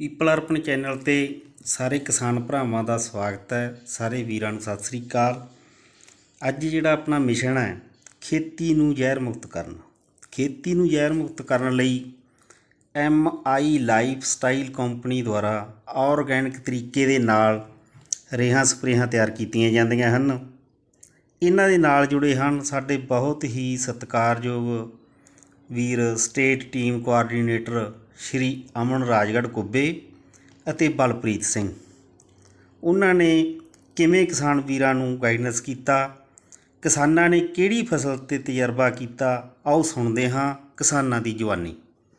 People ਅਰਪਣ channel 'ਤੇ ਸਾਰੇ ਕਿਸਾਨ ਭਰਾਵਾਂ ਦਾ ਸਵਾਗਤ ਹੈ। ਸਾਰੇ ਵੀਰਾਂ ਨੂੰ ਸਤਿ ਸ੍ਰੀ ਅਕਾਲ। ਅੱਜ ਜਿਹੜਾ ਆਪਣਾ ਮਿਸ਼ਨ ਹੈ ਖੇਤੀ ਨੂੰ ਜ਼ਹਿਰ ਮੁਕਤ ਕਰਨ। ਖੇਤੀ ਨੂੰ ਜ਼ਹਿਰ ਮੁਕਤ ਕਰਨ ਲਈ MI ਲਾਈਫ ਸਟਾਈਲ ਕੰਪਨੀ ਦੁਆਰਾ ਆਰਗੈਨਿਕ ਤਰੀਕੇ ਦੇ ਨਾਲ ਰੇਹਾਂ ਸਪਰੇਹਾਂ ਤਿਆਰ ਕੀਤੀਆਂ ਜਾਂਦੀਆਂ ਹਨ। ਇਹਨਾਂ ਦੇ ਨਾਲ ਜੁੜੇ ਹਨ ਸਾਡੇ ਬਹੁਤ ਹੀ ਸਤਿਕਾਰਯੋਗ ਵੀਰ state team coordinator Shri Aman Rajgarh Kubbe ਅਤੇ ਬਲਪ੍ਰੀਤ ਸਿੰਘ। ਉਹਨਾਂ ਨੇ ਕਿਵੇਂ ਕਿਸਾਨ ਵੀਰਾਂ ਨੂੰ ਗਾਈਡੈਂਸ ਕੀਤਾ, ਕਿਸਾਨਾਂ ਨੇ ਕਿਹੜੀ ਫਸਲ 'ਤੇ ਤਜਰਬਾ ਕੀਤਾ, ਆਓ ਸੁਣਦੇ ਹਾਂ ਕਿਸਾਨਾਂ ਦੀ ਜਵਾਨੀ।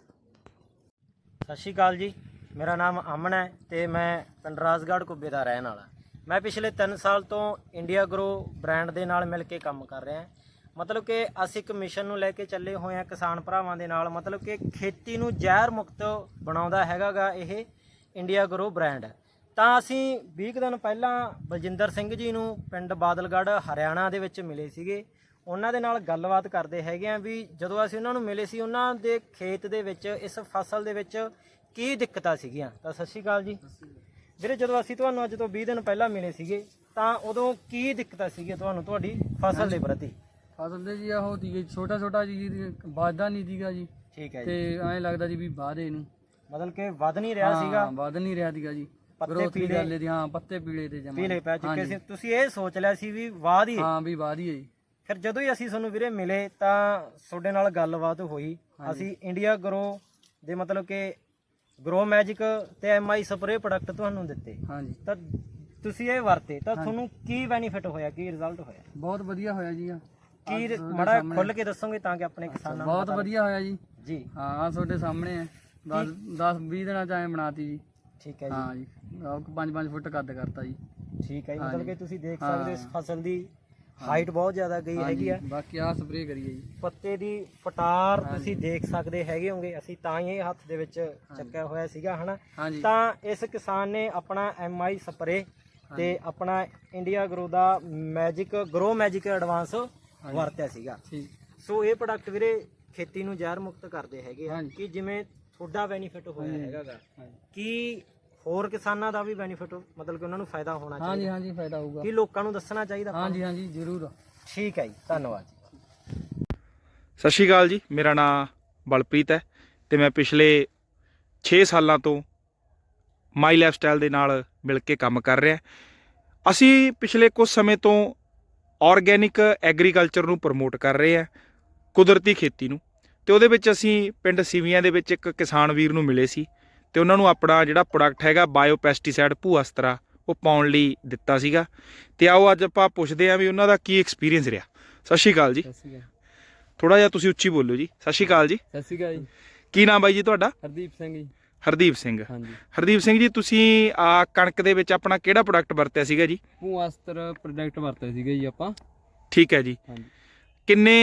ਸਤਿ ਸ਼੍ਰੀ ਅਕਾਲ ਜੀ, ਮੇਰਾ ਨਾਮ ਅਮਨ ਹੈ ਅਤੇ ਮੈਂ ਪਿੰਡ ਰਾਜਗੜ੍ਹ ਕੁੱਬੇ ਦਾ ਰਹਿਣ ਵਾਲਾ। ਮੈਂ ਪਿਛਲੇ 3 ਸਾਲ ਤੋਂ ਇੰਡੀਆ ਗਰੋ ਬ੍ਰਾਂਡ ਦੇ ਨਾਲ ਮਿਲ ਕੇ ਕੰਮ ਕਰ ਰਿਹਾ। ਮਤਲਬ ਕਿ ਅਸੀਂ ਇੱਕ ਮਿਸ਼ਨ ਨੂੰ ਲੈ ਕੇ ਚੱਲੇ ਹੋਏ ਹਾਂ ਕਿਸਾਨ ਭਰਾਵਾਂ ਦੇ ਨਾਲ। ਮਤਲਬ ਕਿ ਖੇਤੀ ਨੂੰ ਜ਼ਹਿਰ ਮੁਕਤ ਬਣਾਉਂਦਾ ਹੈਗਾ ਇਹ ਇੰਡੀਆ ਗਰੋ ਬ੍ਰਾਂਡ। ਤਾਂ ਅਸੀਂ 20 ਦਿਨ ਪਹਿਲਾਂ ਬਲਜਿੰਦਰ ਸਿੰਘ ਜੀ ਨੂੰ ਪਿੰਡ ਬਾਦਲਗੜ੍ਹ ਹਰਿਆਣਾ ਦੇ ਵਿੱਚ ਮਿਲੇ ਸੀਗੇ। ਉਹਨਾਂ ਦੇ ਨਾਲ ਗੱਲਬਾਤ ਕਰਦੇ ਹੈਗੇ ਆ ਵੀ ਜਦੋਂ ਅਸੀਂ ਉਹਨਾਂ ਨੂੰ ਮਿਲੇ ਸੀ ਉਹਨਾਂ ਦੇ ਖੇਤ ਦੇ ਵਿੱਚ ਇਸ ਫਸਲ ਦੇ ਵਿੱਚ ਕੀ ਦਿੱਕਤਾਂ ਸੀਗੀਆਂ। ਤਾਂ ਸਤਿ ਸ਼੍ਰੀ ਅਕਾਲ ਜੀ ਵੀਰੇ, ਜਦੋਂ ਅਸੀਂ ਤੁਹਾਨੂੰ ਅੱਜ ਤੋਂ 20 ਦਿਨ ਪਹਿਲਾਂ ਮਿਲੇ ਸੀਗੇ ਤਾਂ ਉਦੋਂ ਕੀ ਦਿੱਕਤਾਂ ਸੀਗੀਆਂ ਤੁਹਾਨੂੰ ਤੁਹਾਡੀ ਫਸਲ ਦੇ ਪ੍ਰਤੀ? ਫਸਲ ਦੇ ਜੀ ਉਹ ਸੀ ਛੋਟਾ ਜੀ ਵੱਧਦਾ ਨਹੀਂ ਸੀਗਾ ਜੀ। ਠੀਕ ਹੈ ਤੇ ਜੀ, ਐਂ ਲੱਗਦਾ ਜੀ ਵੀ ਵਾਧੇ ਨੂੰ ਮਤਲਬ ਕਿ ਵੱਧ ਨਹੀਂ ਰਿਹਾ ਸੀਗਾ, ਵੱਧ ਨਹੀਂ ਰਿਹਾ ਸੀਗਾ ਜੀ। ਪੱਤੇ ਗਰੋਥ ਪੀਲੇ ਗੱਲ ਦੀ, ਹਾਂ ਪੱਤੇ ਪੀਲੇ ਤੇ ਜਮਾ ਪੀਲੇ ਪੈ ਚੁੱਕੇ ਸੀ। ਤੁਸੀਂ ਇਹ ਸੋਚ ਲਿਆ ਸੀ ਵੀ ਵਾਧ ਹੀ। ਹਾਂ ਵੀ ਵਾਧ ਹੀ ਹੈ ਜੀ। ਫਿਰ ਜਦੋਂ ਹੀ ਅਸੀਂ ਤੁਹਾਨੂੰ ਵੀਰੇ ਮਿਲੇ ਤਾਂ ਤੁਹਾਡੇ ਨਾਲ ਗੱਲਬਾਤ ਹੋਈ। ਅਸੀਂ ਇੰਡੀਆ ਗਰੋ ਦੇ ਮਤਲਬ ਕਿ ਗਰੋ ਮੈਜਿਕ ਤੇ MI ਸਪਰੇ ਪ੍ਰੋਡਕਟ ਤੁਹਾਨੂੰ ਦਿੱਤੇ। ਹਾਂਜੀ, ਤਾਂ ਤੁਸੀਂ ਇਹ ਵਰਤੇ ਤਾਂ ਤੁਹਾਨੂੰ ਕੀ ਬੈਨੀਫਿਟ ਹੋਇਆ, ਕੀ ਰਿਜ਼ਲਟ ਹੋਇਆ? ਬਹੁਤ ਵਧੀਆ ਹੋਇਆ ਜੀ। ਕੀ ਮਾੜਾ ਖੁੱਲ ਕੇ ਦੱਸੋਗੇ ਤਾਂ ਕਿ ਆਪਣੇ ਕਿਸਾਨਾਂ ਨੂੰ ਬਹੁਤ ਵਧੀਆ ਹੋਇਆ ਜੀ। ਜੀ ਹਾਂ ਤੁਹਾਡੇ ਸਾਹਮਣੇ ਹੈ। 10-20 ਦਿਨਾਂ ਚ ਐਂ ਬਣਾਤੀ ਜੀ। ਠੀਕ ਹੈ ਜੀ। ਹਾਂ ਜੀ 5-5 ਫੁੱਟ ਕੱਦ ਕਰਤਾ ਜੀ। ਠੀਕ ਹੈ ਜੀ, ਮਤਲਬ ਕਿ ਤੁਸੀਂ ਦੇਖ ਸਕਦੇ ਹੋ ਇਸ ਫਸਲ ਦੀ ਹਾਈਟ ਬਹੁਤ ਜ਼ਿਆਦਾ ਗਈ ਹੈਗੀ ਆ। ਬਾਕੀ ਆਹ ਸਪਰੇਅ ਕਰੀਏ ਜੀ। ਪੱਤੇ ਦੀ ਫਟਾਰ ਤੁਸੀਂ ਦੇਖ ਸਕਦੇ ਹੈਗੇ ਹੋਗੇ। ਅਸੀਂ ਤਾਂ ਹੀ ਇਹ ਹੱਥ ਦੇ ਵਿੱਚ ਚੱਕਿਆ ਹੋਇਆ ਸੀਗਾ ਹਨਾ। ਤਾਂ ਇਸ ਕਿਸਾਨ ਨੇ ਆਪਣਾ MI ਸਪਰੇ ਤੇ ਆਪਣਾ ਇੰਡੀਆ ਗਰੋ ਦਾ ਗਰੋ ਮੈਜਿਕ ਐਡਵਾਂਸ ਵਰਤਿਆ ਸੀਗਾ। ਸੋ ਇਹ ਪ੍ਰੋਡਕਟ ਵੀਰੇ ਖੇਤੀ ਨੂੰ ਜ਼ਹਿਰ ਮੁਕਤ ਕਰਦੇ ਹੈਗੇ ਆ ਕਿ ਜਿਵੇਂ ਤੁਹਾਡਾ ਬੈਨੀਫਿਟ ਹੋਇਆ ਹੈਗਾ ਕਿ ਹੋਰ ਕਿਸਾਨਾਂ ਦਾ ਵੀ ਬੈਨੀਫਿਟ ਮਤਲਬ ਕਿ ਉਹਨਾਂ ਨੂੰ ਫਾਇਦਾ ਹੋਣਾ ਚਾਹੀਦਾ। ਹਾਂਜੀ ਫਾਇਦਾ ਹੋਊਗਾ। ਕੀ ਲੋਕਾਂ ਨੂੰ ਦੱਸਣਾ ਚਾਹੀਦਾ? ਹਾਂਜੀ ਜ਼ਰੂਰ। ਠੀਕ ਹੈ ਜੀ, ਧੰਨਵਾਦ ਜੀ। ਸਤਿ ਸ਼੍ਰੀ ਅਕਾਲ ਜੀ, ਮੇਰਾ ਨਾਮ ਬਲਪ੍ਰੀਤ ਹੈ ਤੇ ਮੈਂ ਪਿਛਲੇ 6 ਸਾਲਾਂ ਤੋਂ ਮਾਈ ਲਾਈਫ ਸਟਾਈਲ ਦੇ ਨਾਲ ਮਿਲ ਕੇ ਕੰਮ ਕਰ ਰਿਹਾ। ਅਸੀਂ ਪਿਛਲੇ ਕੁਝ ਸਮੇਂ ਤੋਂ ਆਰਗੈਨਿਕ ਐਗਰੀਕਲਚਰ ਨੂੰ ਪ੍ਰਮੋਟ ਕਰ ਰਹੇ ਹਾਂ, ਕੁਦਰਤੀ ਖੇਤੀ ਨੂੰ। ਤੇ ਉਹਦੇ ਵਿੱਚ ਅਸੀਂ ਪਿੰਡ ਸਿਵੀਆਂ ਦੇ ਵਿੱਚ ਇੱਕ ਕਿਸਾਨ ਵੀਰ ਨੂੰ ਮਿਲੇ ਸੀ ਤੇ ਉਹਨਾਂ ਨੂੰ ਆਪਣਾ ਜਿਹੜਾ ਪ੍ਰੋਡਕਟ ਹੈਗਾ ਬਾਇਓ ਪੈਸਟੀਸਾਈਡ ਭੂਅਸਤਰਾ ਉਹ ਪਾਉਣ ਲਈ ਦਿੱਤਾ ਸੀਗਾ। ਤੇ ਆਓ ਅੱਜ ਆਪਾਂ ਪੁੱਛਦੇ ਹਾਂ ਵੀ ਉਹਨਾਂ ਦਾ ਕੀ ਐਕਸਪੀਰੀਅੰਸ ਰਿਹਾ। ਸਤਿ ਸ਼੍ਰੀ ਅਕਾਲ ਜੀ। ਥੋੜਾ ਜਿਹਾ ਤੁਸੀਂ ਉੱਚੀ ਬੋਲੋ ਜੀ। ਸਤਿ ਸ਼੍ਰੀ ਅਕਾਲ ਜੀ। ਸਤਿ ਸ਼੍ਰੀ ਅਕਾਲ ਜੀ। ਕੀ ਨਾਮ ਬਾਈ ਜੀ ਤੁਹਾਡਾ? ਹਰਦੀਪ ਸਿੰਘ ਜੀ। ਹਰਦੀਪ ਸਿੰਘ। ਹਾਂਜੀ ਹਰਦੀਪ ਸਿੰਘ ਜੀ, ਤੁਸੀਂ ਕਣਕ ਦੇ ਵਿੱਚ ਆਪਣਾ ਕਿਹੜਾ ਪ੍ਰੋਡਕਟ ਵਰਤਿਆ ਸੀਗਾ ਜੀ? ਭੂਅਸਤਰ ਪ੍ਰੋਡਕਟ ਵਰਤਿਆ ਸੀਗਾ ਜੀ ਆਪਾਂ। ਠੀਕ ਹੈ ਜੀ। ਹਾਂਜੀ, ਕਿੰਨੇ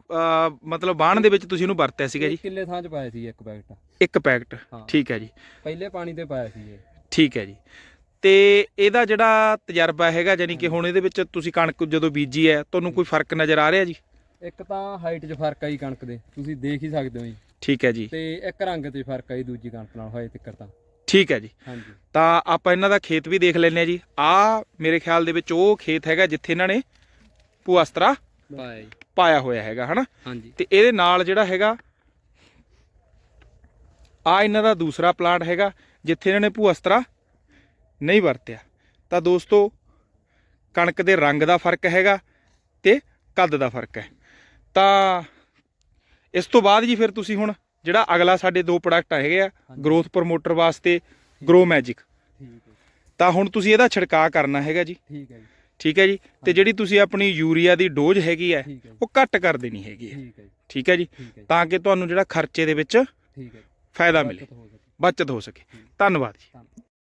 ਮਤਲਬ ਬਾਣ ਦੇ ਵਿੱਚ ਤੁਸੀਂ ਇਹਨੂੰ ਵਰਤਿਆ ਸੀਗਾ ਜੀ? ਕਿੱਲੇ ਥਾਂ ਚ ਪਾਇਆ ਸੀ ਇੱਕ ਪੈਕਟ। ਇੱਕ ਪੈਕਟ। ਠੀਕ ਹੈ ਜੀ। ਪਹਿਲੇ ਪਾਣੀ ਤੇ ਪਾਇਆ ਸੀ ਇਹ। ਠੀਕ ਹੈ ਜੀ। ਤੇ ਇਹਦਾ ਜਿਹੜਾ ਤਜਰਬਾ ਹੈਗਾ ਜਾਨੀ ਕਿ ਹੁਣ ਇਹਦੇ ਵਿੱਚ ਤੁਸੀਂ ਕਣਕ ਜਦੋਂ ਬੀਜੀ ਹੈ ਤੁਹਾਨੂੰ ਕੋਈ ਫਰਕ ਨਜ਼ਰ ਆ ਰਿਹਾ ਜੀ? ਇੱਕ ਤਾਂ ਹਾਈਟ 'ਚ ਫਰਕ ਆਈ ਕਣਕ ਦੇ, ਤੁਸੀਂ ਦੇਖ ਹੀ ਸਕਦੇ ਹੋ ਜੀ। ਠੀਕ ਹੈ ਜੀ। ਤੇ ਇੱਕ ਰੰਗ 'ਤੇ ਫਰਕ ਆਈ ਦੂਜੀ ਕਣਕ ਨਾਲ ਹੋਏ ਤਿੱਕਰ ਤਾਂ। ਠੀਕ ਹੈ ਜੀ। ਹਾਂਜੀ, ਤਾਂ ਆਪਾਂ ਇਹਨਾਂ ਦਾ ਖੇਤ ਵੀ ਦੇਖ ਲੈਂਦੇ ਹਾਂ ਜੀ। ਆਹ ਮੇਰੇ ਖਿਆਲ ਦੇ ਵਿੱਚ ਉਹ ਖੇਤ ਹੈਗਾ ਜਿੱਥੇ ਇਹਨਾਂ ਨੇ ਭੂਅਸਤਰਾ ਪਾਇਆ ਹੋਇਆ ਹੈਗਾ ਹਨਾ। ਹਾਂਜੀ, ਤੇ ਇਹਦੇ ਨਾਲ ਜਿਹੜਾ ਹੈਗਾ ਇਹਨਾਂ ਦਾ ਦੂਸਰਾ ਪਲਾਂਟ ਹੈਗਾ ਜਿੱਥੇ ਇਹਨਾਂ ਨੇ ਭੂਅਸਤਰਾ ਨਹੀਂ ਵਰਤਿਆ। ਤਾਂ ਦੋਸਤੋ ਕਣਕ ਦੇ ਰੰਗ ਦਾ ਫਰਕ ਹੈਗਾ ਤੇ ਕੱਦ ਦਾ ਫਰਕ ਹੈ। ਤਾਂ ਇਸ ਤੋਂ ਬਾਅਦ ਜੀ ਫਿਰ ਤੁਸੀਂ ਹੁਣ ਜਿਹੜਾ ਅਗਲਾ ਸਾਡੇ 2 ਪ੍ਰੋਡਕਟ ਹੈਗੇ ਆ ਗਰੋਥ ਪ੍ਰਮੋਟਰ ਵਾਸਤੇ ਗਰੋ ਮੈਜਿਕ, ਤਾਂ ਹੁਣ ਤੁਸੀਂ ਇਹਦਾ ਛਿੜਕਾਅ ਕਰਨਾ ਹੈਗਾ ਜੀ। ਠੀਕ ਹੈ ਜੀ। ਤੇ ਜਿਹੜੀ ਤੁਸੀਂ ਆਪਣੀ ਯੂਰੀਆ ਦੀ ਡੋਜ਼ ਹੈਗੀ ਹੈ ਉਹ ਘੱਟ ਕਰ ਦੇਣੀ ਹੈਗੀ ਹੈ। ਠੀਕ ਹੈ ਜੀ, ਤਾਂ ਕਿ ਤੁਹਾਨੂੰ ਜਿਹੜਾ ਖਰਚੇ ਦੇ ਵਿੱਚ ਫਾਇਦਾ ਮਿਲੇ, ਬਚਤ ਹੋ ਸਕੇ। ਧੰਨਵਾਦ ਜੀ।